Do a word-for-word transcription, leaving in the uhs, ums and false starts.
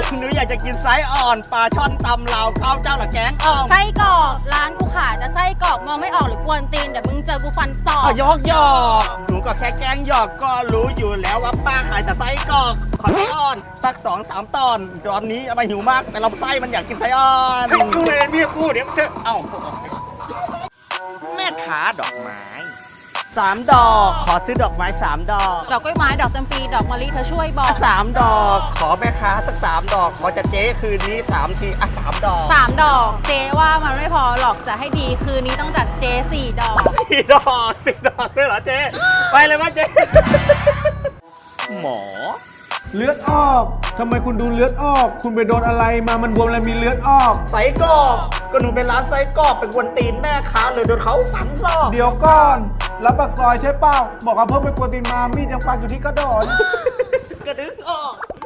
หนูอยากจะกินไส้อ่อนปลาช่อนตำลาวข้าวเจ้าหลักแกงอ่องไส้กรอกร้านกูขายแต่ไส้กรอกมองไม่ออกหรือกวนตีนเดี๋ยวมึงเจอกูฟันศอกเอายอกหยอกหนูก็แค่แกล้งหยอกก็รู้อยู่แล้วว่าป้าขายแต่ไส้กรอกขอไส้อ่อนสักสองสามตอนตอนนี้เอามาหิวมากแต่ลำไส้มันอยากกินไส้อ่อนให้กูเลยเมียกูเดี๋ยวเชื่อเอ้าแม่ค้าดอกไม้สามดอกขอซื้อดอกไม้สามดอกดอกกล้วยไม้ดอกจำปีดอกมะลิเธอช่วยบอกสามดอกขอแม่ค้าสักสามดอกขอจะเจ๊คืนนี้สามทีอ่ะสามดอกสามดอกเจ๊ว่ามันไม่พอหรอกจะให้ดีคืนนี้ต้องจัดเจ๊สี่ดอกสี่ดอกสี่ดอกด้วยเหรอเจ๊ไปเลยว่าเจ๊หมอเลือดออก ทำไมคุณดูเลือดออก คุณไปโดนอะไรมา มันบวมแล้วมีเลือดออกไส้กรอกก็หนูเป็นร้านไส้กรอกเป็นกวนตีนแม่ค้าเลยโดนเขาฝังซอกเดี๋ยวก่อน รับปากซอยใช่เปล่า บอกว่าเพิ่มไปกวนตีนมา มีดยังปักอยู่ที่กระดอนกระดึงออก